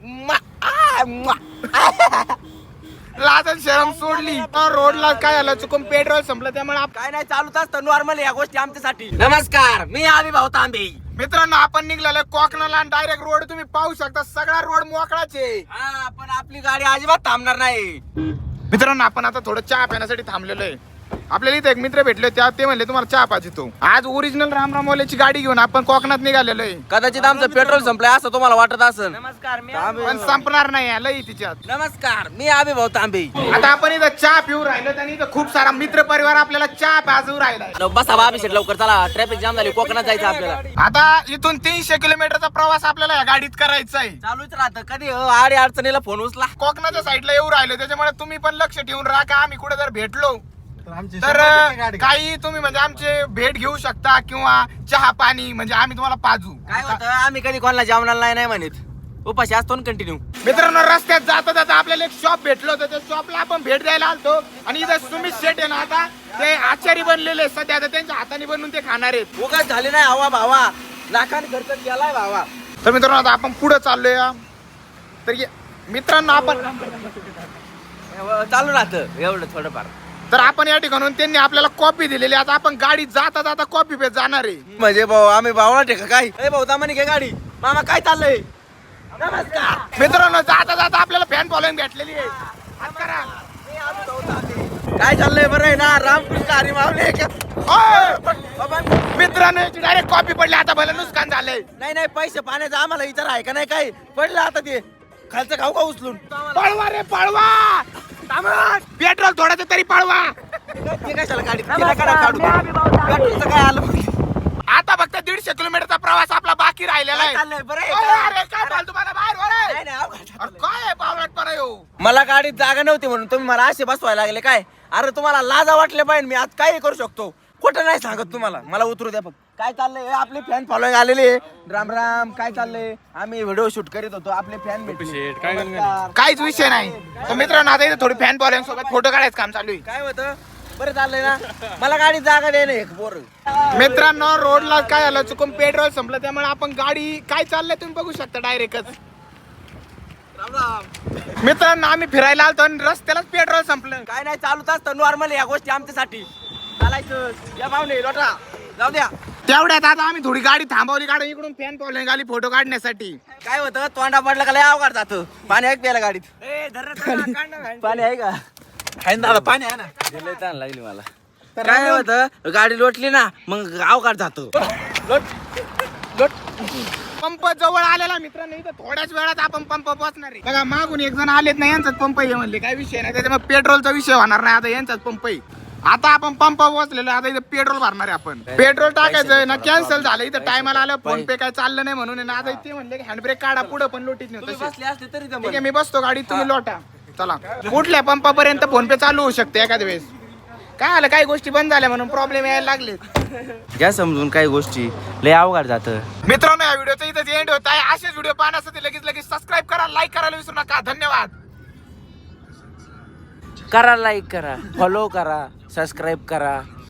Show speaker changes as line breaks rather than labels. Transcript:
लाजन शरम सोडली रोडला काय झालं चुकून पेट्रोल संपलं त्यामुळे
काय नाही चालूच असतं नॉर्मल या गोष्टी आमच्यासाठी. नमस्कार, मी आविभाऊ तांबे.
मित्रांनो आपण निघलेलो कोकणाला डायरेक्ट रोड तुम्ही पाहू शकता, सगळा रोड मोकळाच आहे.
हा, पण आपली गाडी अजिबात थांबणार नाही.
मित्रांनो आपण आता थोडं चहा पिण्यासाठी थांबलेलो आहे. आपल्याला इथे एक मित्र भेटले ते म्हणले तुम्हाला चहा पाहिजे. तो आज ओरिजिनल रामरामवाल्याची गाडी घेऊन आपण कोकणात निघालेलो आहे.
कदाचित आमचं पेट्रोल संपलंय असं तुम्हाला वाटत असेल. नमस्कार, मी
पण संपणार नाही लई तिच्यात.
नमस्कार, मी आविभाऊ तांबे.
आता आपण इथं चहा पिऊ राहिलो आणि इथं खूप सारा मित्र परिवार आपल्याला चहा पाजू राहिलाय.
बसा बाबी शेट लवकर चला, ट्रॅफिक जाम झाली, कोकणात जायचं आपल्याला.
आता इथून 300 किलोमीटरचा प्रवास आपल्याला या गाडीत करायचा आहे.
चालूच राहतं कधी आडी अडचणीला फोन उचला.
कोकणाच्या साईडला येऊ राहिलो त्याच्यामुळे तुम्ही पण लक्ष ठेवून राहा का आम्ही कुठे जर भेटलो तर काही तुम्ही म्हणजे आमचे भेट घेऊ शकता किंवा चहा पाणी म्हणजे आम्ही तुम्हाला पाजू.
काय होतं आम्ही कधी कोणाला जेवणाला नाही म्हणत, उपाशी असतो ना कंटिन्यू.
मित्रांनो रस्त्यात जाता जाता आपल्याला एक शॉप भेटलो होतं, त्या शॉपला आपण भेट द्यायला आलतो आणि इथं सुमित शेट आहे ना आता ते आचारी बनलेले सध्या आता त्यांच्या हाताने बनवून ते खाणार आहेत.
उगाच झाले नाही हवा भावा, लाखांनी खर्च केलाय भावा.
तर मित्रांनो आता आपण पुढे चाललोय. तर मित्रांनो आपण
चालू राहतं एवढं थोडंफार.
तर आपण या ठिकाणून त्यांनी आपल्याला कॉपी दिलेली. आता आपण गाडी जाता जाता कॉपी पे जाणार आहे.
म्हणजे भाऊ आम्ही भावना टेका काय भाऊ दामानी घे गाडी. मामा काय चाललंय? नमस्कार
मित्रांनो जाता जाता आपल्याला फॅन फॉलोइंग भेटलेली आहे. हात करा.
काय चाललंय? बरं आहे ना? रामकृष्ण हरी मावले.
मित्रांनो याची डायरेक्ट कॉपी पडली. आता भलं नुकसान झालंय.
नाही पैसे पाण्याचं आम्हाला विचार आहे का नाही? काय पडलं आता ते खालचं खाऊ का उचलून?
पळवा रे पळवा. पेट्रोल थोडंसं तरी पळवा.
ते कशाला गाडी पेट्रोलचं काय आलं?
आता फक्त 150 किलोमीटरचा प्रवास आपला बाकी राहिलेला आहे.
चाललंय बरं आहे
अरे काय बोल तुम्हाला बाहेर वर आहे?
नाही, नाही, अवघड
अरे काय आहे बावळटपणा येऊ.
मला गाडीत जागा नव्हती म्हणून तुम्ही मला असे बसवायला लागले काय? अरे तुम्हाला लाजा वाटले पाहिजे, मी आज काही करू शकतो. खोटं नाही सांगत तुम्हाला, मला उतरू द्या फक्त. काय चाललंय? आपले फॅन फॉलोइंग आलेले. राम राम, काय चाललंय? आम्ही व्हिडिओ शूट करीत होतो, आपले फॅन भेटले.
काहीच विषय नाही. तर मित्रांनो आता इथे थोडी फॅन फॉलोइंग सोबत फोटो काढायचं काम चालू आहे.
काय होतं? बरं चाललंय ना? मला गाडीत जागा द्या ना एक बोर.
मित्रांनो रोडला काय झालं चुकून पेट्रोल संपलं त्यामुळे आपण गाडी काय चाललंय तुम्ही बघू शकता डायरेक्टच. मित्रांनो आम्ही फिरायला आलतो आणि रस्त्यालाच पेट्रोल संपलं.
काय नाही चालूच असतं नॉर्मल या गोष्टी आमच्यासाठी. चालायचं या पाहुणे लोटा जाऊ द्या.
तेवढ्यात आता आम्ही थोडी गाडी थांबवली, गाडी इकडून फॅन फॉलोइंग आली फोटो काढण्यासाठी.
काय होतं तोंडा पडलं का लय अवघड जातं. पाणी आहे प्यायला गाडीत? पाणी आहे का? दादा पाणी आहे ना. लागली मला. काय होतं गाडी लोटली ना मग अवघड जातो.
पंप जवळ आलेला मित्रांनो. इथं थोड्याच वेळात आपण पंप पोहोचणार आहे. बघा मागून एक जण आलेत ना, यांचाच पंप आहे म्हणले. काय विषय नाही त्याच्यामुळे पेट्रोलचा विषय होणार नाही. आता यांचाच पंप आहे. आता आपण पंप पोहोचलेलो. आता इथं पेट्रोल भरणार आहे आपण. पेट्रोल टाकायचं ना कॅन्सल झालं. इथं टायमाला आलं फोन पे काय चाललं नाही म्हणून ना. आता ते म्हणले हँडब्रेक काढा पुढे पण लोटीत नाही.
बसले असते तरी
ठीक आहे मी बसतो गाडीत, तुम्ही लोटा. चला कुठल्या पंपापर्यंत फोन पे चालू होऊ शकते एखाद्या वेळेस. काय आलं काही गोष्टी बंद झाल्या म्हणून प्रॉब्लेम यायला लागले.
घ्या समजून काही गोष्टी लय अवघड जातं.
मित्रांनो या व्हिडिओचा इथंच एंड होत आहे. असेच व्हिडिओ पाहण्यासाठी लगेच सबस्क्राईब करा, लाईक करायला विसरू नका. धन्यवाद.
करा, लाईक करा, फॉलो करा, सबस्क्राईब करा.